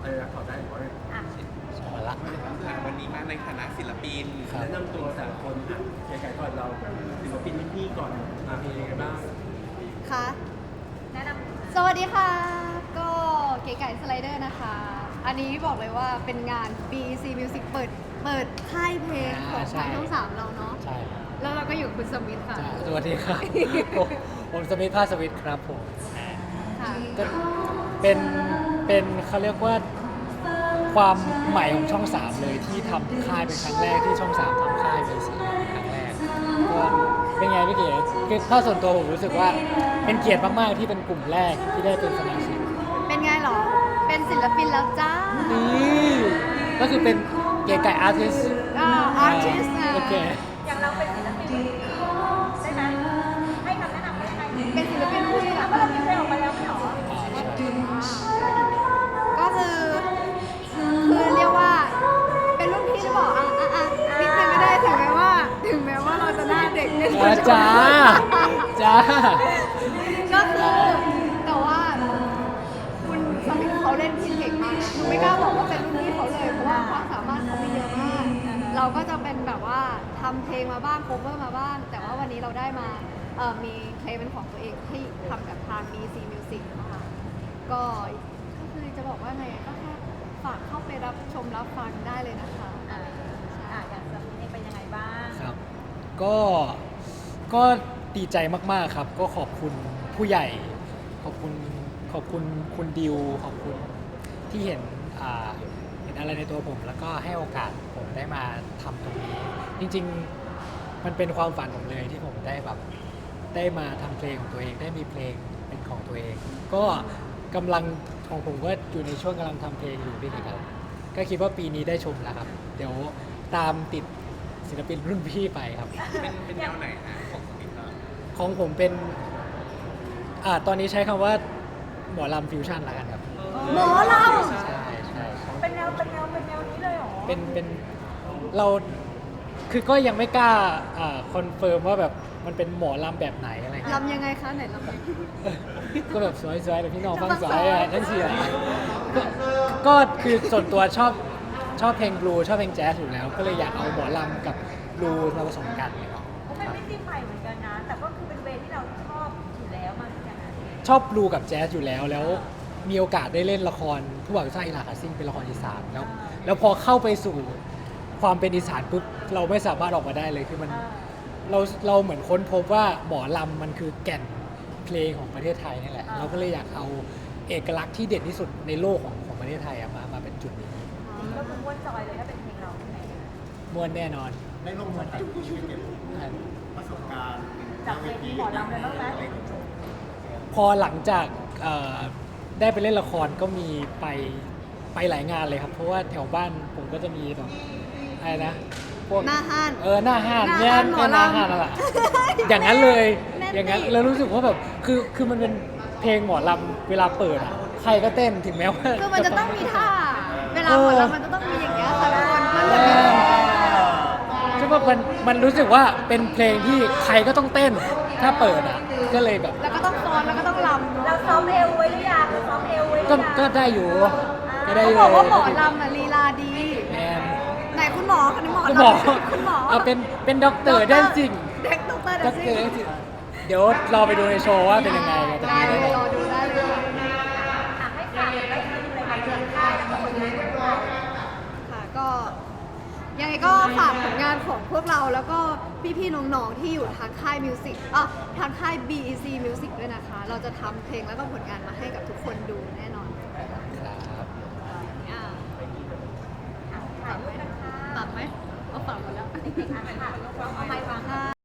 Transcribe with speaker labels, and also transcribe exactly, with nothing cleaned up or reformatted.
Speaker 1: อะไรนะขอได้หรือว่า
Speaker 2: อ่ะ
Speaker 3: สองวันละ
Speaker 4: วันนี้มาในฐานะศิลปิน
Speaker 3: ครับ
Speaker 1: แนะนำตัวแต่ละคนอ่ะเก๋ไก่ก่อนเราศิลปินรุ่นพี่ก่อนอ่ะเป็นยังไงบ้าง
Speaker 2: ค่ะ
Speaker 5: แนะนำ
Speaker 2: สวัสดีค่ะ ก็เก๋ไก่สไลเดอร์นะคะ อันนี้บอกเลยว่าเป็นงาน บี อี ซี Music เปิดเปิดค่ายเพลงของทางช่องสามเราเนาะ
Speaker 3: ใช่
Speaker 2: แล้วเราก็อยู่กับคุณสมิธค่ะ
Speaker 3: จ้าสวัสดีครับ ผมผมสมิธภาสวิทย์ครับผมอ่า
Speaker 2: ค่ะ
Speaker 3: ก็เป็นเป็นเขาเรียกว่าความใหม่ของช่องสามเลยที่ทำค่ายเป็นครั้งแรกที่ช่องสามทำค่ายเป็นสีเป็นครั้งแรกก็เป็นไงพี่เก๋คือถ้าส่วนตัวผมรู้สึกว่าเป็นเกียรติมากๆที่เป็นกลุ่มแรกที่ได้เป็นสมาชิก
Speaker 2: เป็นไงเหรอ เป็นศิลปินแล้วจ้า
Speaker 3: นี่ก็คือเป็นเก๋ไก่อาร์ติส
Speaker 2: อ่า artist นะ
Speaker 3: โอเค
Speaker 5: อย่างเราเป็นศิลปินได้ไหมให้คำแนะนำได้ไหม
Speaker 2: เป็นศิลปินผู้ที่แบบ
Speaker 5: เพราะเรามีเพลงออกมาแล้วไม่เหรอ
Speaker 3: อ่าใช่
Speaker 2: ก็คือคือเรียกว่าเป็นรุ่นพี่หรือเปล่าอ่ะอ่ะอ่ะนิดนึงก็ได้ถึงแม้ว่า ถึงแม้ว่าเราจะหน้าเด็กนิดนึง
Speaker 3: อ่าจ้าจ้า
Speaker 2: ก็คือแต่ว่าคุณสมิธเขาเล่นพินเก่งมากนะหนูไม่กล้าบอกว่าเป็นรุ่นพี่เขาเลยเพราะว่าความสามารถเขามีเยอะมาก เราก็จะเป็นแบบว่าทำเพลงมาบ้างโคเวอร์มาบ้าง แต่ว่าวันนี้เราได้มาเอ่อมีเพลงเป็นของตัวเองที่ทำกับทาง บี อี ซี Music นะคะก็ก็คือจะบอกว่าไงก็แค่ฝากเข้าไปรับชมรับฟังได้เลยนะคะ
Speaker 5: อ่าอ่ะอย่างสมิธเองเป็นยังไงบ้าง
Speaker 3: ครับ ก็ก็ดีใจมากๆครับ ก็ขอบคุณผู้ใหญ่ ขอบคุณขอบคุณคุณดิว ขอบคุณที่เห็นอ่าเห็นอะไรในตัวผม แล้วก็ให้โอกาสผมได้มาทำตรงนี้ จริงๆมันเป็นความฝันผมเลยที่ผมได้แบบได้มาทำเพลงของตัวเอง ได้มีเพลงเป็นของตัวเอง ก็กำลังของผมก็อยู่ในช่วงกำลังทำเพลงอยู่พี่เอกครับก็คิดว่าปีนี้ได้ชมแล้วครับ เดี๋ยวตามติดศิลปินรุ่นพี่ไปครับ
Speaker 4: เป็นเป็นแนวไหนนะของสมิธครับ
Speaker 3: ของผมเป็นอ่าตอนนี้ใช้คำว่าหมอลำฟิวชั่นละกันครับ
Speaker 2: หมอเรา
Speaker 3: ใช่ใช่ใช่
Speaker 5: เป็นแนวเป็นแนวเป็นแนวนี้เลยเหรอ
Speaker 3: เป็นเป็นเราคือก็ยังไม่กล้าอ่าคอนเฟิร์มว่าแบบมันเป็นหมอลำแบบไหนอะไรเงี้ย
Speaker 2: ลำยังไงคะไหนลำยังไง
Speaker 3: ก็แบบสวยๆแต่พี่น้องฟังสวยอ่ะนั่นสิอ่ะก็ก็คือส่วนตัวชอบชอบเพลงบลูชอบเพลงแจ๊สอยู่แล้ว ก็เลยอยากเอาหมอลำกับบลูมาผสมกันเลยครับ
Speaker 5: เป็นมิติใหม่เหมือนกันนะ แต่ก็คือเป็นเวย์ที่เราชอบอยู่แล้วมาเหมือนกันนะ
Speaker 3: ชอบบลูกับแจ๊สอยู่แล้วแล้วมีโอกาสได้เล่นละครผู้บ่าวสร้างอิหร่าคาซิ่งเป็นละครอีสานแล้วแล้วพอเข้าไปสู่ความเป็นอีสานปุ๊บเราไม่สามารถออกมาได้เลยคือมัน
Speaker 5: อ่า
Speaker 3: เราเราเหมือนค้นพบว่าหมอลำมันคือแก่นเพลงของประเทศไทยนี่แหละเราก็เลยอยากเอาเอกลักษณ์ที่เด่นที่สุดในโลกของของประเทศไทยอะมามาเป็นจุดนี้
Speaker 5: ก็คือม้วนจอยเลยถ้าเป็นเพลงเราใช่ไหม
Speaker 3: มวนแน่นอน
Speaker 6: ได้ลงมาจากชีวิตเก็บประสบการณ์
Speaker 5: จากเวทีหมอลำเลยบ้างไหม
Speaker 3: พอหลังจากเอ่อได้ไปเล่นละครก็มีไปไปหลายงานเลยครับ เพราะว่าแถวบ้านผมก็จะมีแบบอะไรนะพวก
Speaker 2: หน้าห้าน
Speaker 3: เออหน้าห้าน
Speaker 2: หน้า
Speaker 3: เนี่ย
Speaker 2: ห้านหมอ
Speaker 3: หน้า
Speaker 2: ลำ
Speaker 3: ห้านนั่นแหละอย่างนั้นเลย
Speaker 2: แน่น
Speaker 3: อย่างนั้น
Speaker 2: ดิ
Speaker 3: แล้วรู้สึกว่าแบบคือคือมันเป็นเพลงหมอลำเวลาเปิดอ่ะใครก็เต้นถึงแม้ว่า
Speaker 2: คือมันจะต้องมีท่า เวลาหมดแล้วมันจะต้องมีอย่างเงี้ยค่ะทุกคนมันเหมือนเป็น
Speaker 3: ใช่ป่ะมันมันรู้สึกว่าเป็นเพลงที่ใครก็ต้องเต้นถ้าเปิดอ่ะก็เลยแบบ
Speaker 2: แล้วก็ต้องฟ้อนแล้วก็ต้องลำ
Speaker 5: เราซ้อมเอวไว้หรือยังเราซ้อมเอวไว้หรือ
Speaker 3: ก็
Speaker 5: ยัง
Speaker 3: ก็ได้อยู่ก็ได้
Speaker 2: เขา
Speaker 3: อยู่
Speaker 2: บอกว่าหมอลำอ่ะลีลาดี
Speaker 3: แมน
Speaker 2: ไหนคุณหมอคนนี้หมอ
Speaker 3: คุณหมอ
Speaker 2: ลำคุณหมอ
Speaker 3: เอาเป็นเป็นด็อกเตอร์แดนซิ่ง
Speaker 2: เด็กด็อกเตอร์แด
Speaker 3: ด็อน ก
Speaker 2: ซิ่
Speaker 3: เตอร์แดนซิ่งเดี๋ยวรอไปดูในโชว์ว่าเป็นยังไงจะ
Speaker 2: ได้
Speaker 3: มี
Speaker 2: เล
Speaker 3: ได้
Speaker 2: ย
Speaker 3: ไหม
Speaker 2: รอดูได้เลยค่ะ
Speaker 5: อ่ะให้ฝากได้ทีมเลยค่ะเดือนค่ายแล้วก็ผลงานของเรา
Speaker 2: ค่ะก็ยังไงก็ฝากผลงานของพวกเราแล้วก็พี่ๆน้องๆที่อยู่ทางค่ายมิวสิกอ่ะทางค่าย บี อี ซี Music ด้วยนะคะ เราจะทำเพลงแล้วก็ผลงานมาให้กับทุกคนดูแน่นอน
Speaker 3: ครับ
Speaker 2: อ่า
Speaker 5: ถ่ายรูปกันค่ะ
Speaker 2: ตัดไหมเอาฝากหมดแล้ว
Speaker 5: เด็กๆอ่ะค่ะเอาไม้วาง
Speaker 2: ค่ะ